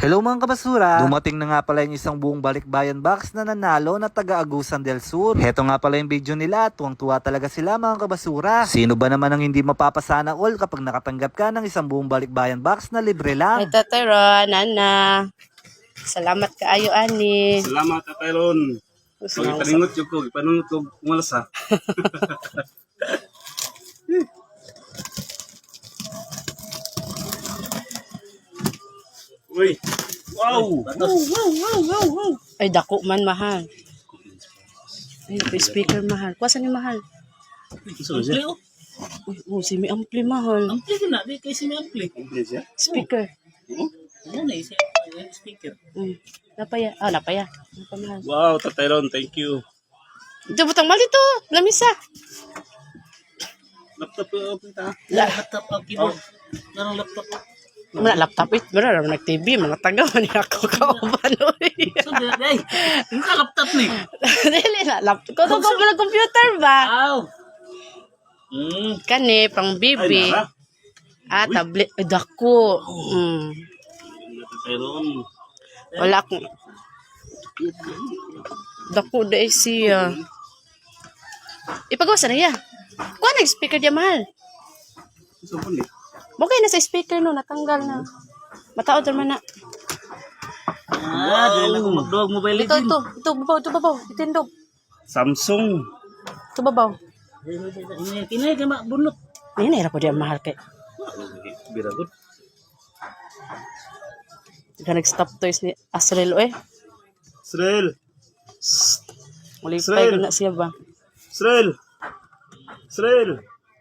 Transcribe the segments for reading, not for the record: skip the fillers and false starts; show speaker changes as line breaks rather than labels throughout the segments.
Hello mga kabasura! Dumating na nga pala yung isang buong balikbayan box na nanalo na taga-Agusan del Sur. Heto nga pala yung video nila, tuwang-tuwa talaga sila mga kabasura. Sino ba naman ang hindi mapapasana all kapag nakatanggap ka ng isang buong balikbayan box na libre lang?
Ay, Tatay Nana. Salamat kaayo, ani.
Salamat, Tatay Ron. Ipanungot ko, ipanungot ko kumalas ha. Uy! Wow!
Ay, dako man, mahal. Ay, may speaker, mahal. Kuwasan ni mahal.
Ampli oh.
Uy, si may ampli, mahal.
Ampli ko na, di kayo si Ampli.
Ampli siya?
Speaker.
Ano na, speaker.
Napaya. Ah, napaya. Napamahal.
Wow, Tatay Ron, thank you.
Ito, butang mali to. Lamisa.
Laptop ko, kita.
Laptop o keyboard. Narang laptop o.
Mana laptop it. Mana naman nag-TV. Mga taga man ako kauban.
So, day, yung ka laptop ni.
Dili na. Laptop. Kung ko mo computer ba?
Wow.
Kani, pang
Ay,
bibi.
nara.
Ah, tablet. Ay, dako.
Tatay Ron.
Wala akong... Dako da siya. Ipagawa na niya. Kuha na yung speaker diya, mahal.
Gusto mo ni?
Okay na sa speaker no, natanggal na. Mataod naman na.
Dahil ako mag-dog mobile
Ito,
legend.
ito, babaw. Itindog.
Samsung.
Ito, babaw.
Kinay ka bunot.
Ay, nahirap po diya, mahal kay.
Biragot.
Ika nag-stop toys ni Asrel, eh.
Srel.
Mulipay ko
Srel.
na siya ba?
Srel. Srel.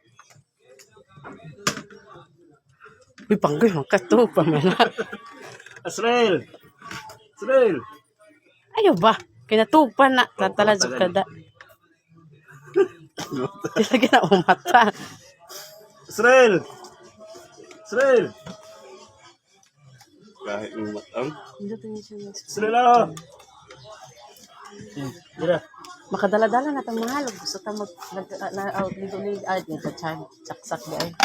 Uy, panggoy, makato pa man.
Srel. Srel.
Ayaw ba? Kinatupan na. Tataladzog ka da. Tilagi na umata.
Srel. Srel. Kahit yung matang. Srel ah.
Dira.
Makadala-dala na itong mahal. Gusto ta ligo-ligo. Ay, saksak di ay.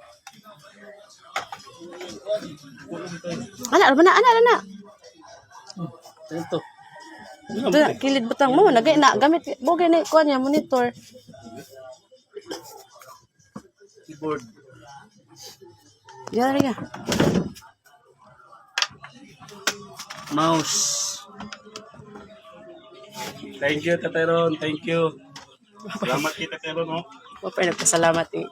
Ana na.
Ito.
Ito, kilid butang mo. Nagay na. Gamit. Bogay na ikuha niya. Monitor.
Keyboard.
Yan rin.
Mouse. Thank you, Tatay Ron. Thank you. Salamat kita, Tatay Ron. Oh.
Mapay nagpasalamat eh.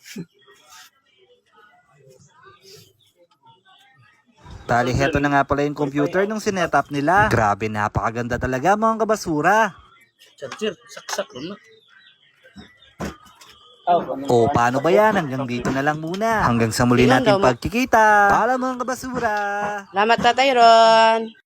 Tali, heto na nga pala yung computer nung sinetap nila. Grabe, napakaganda talaga mga kabasura.
Charger. Saksak na.
O paano ba yan? Hanggang dito na lang muna. Hanggang sa muli
Ilan
natin
daw,
pagkikita. Paalam mga kabasura.
Salamat, Tatay Ron.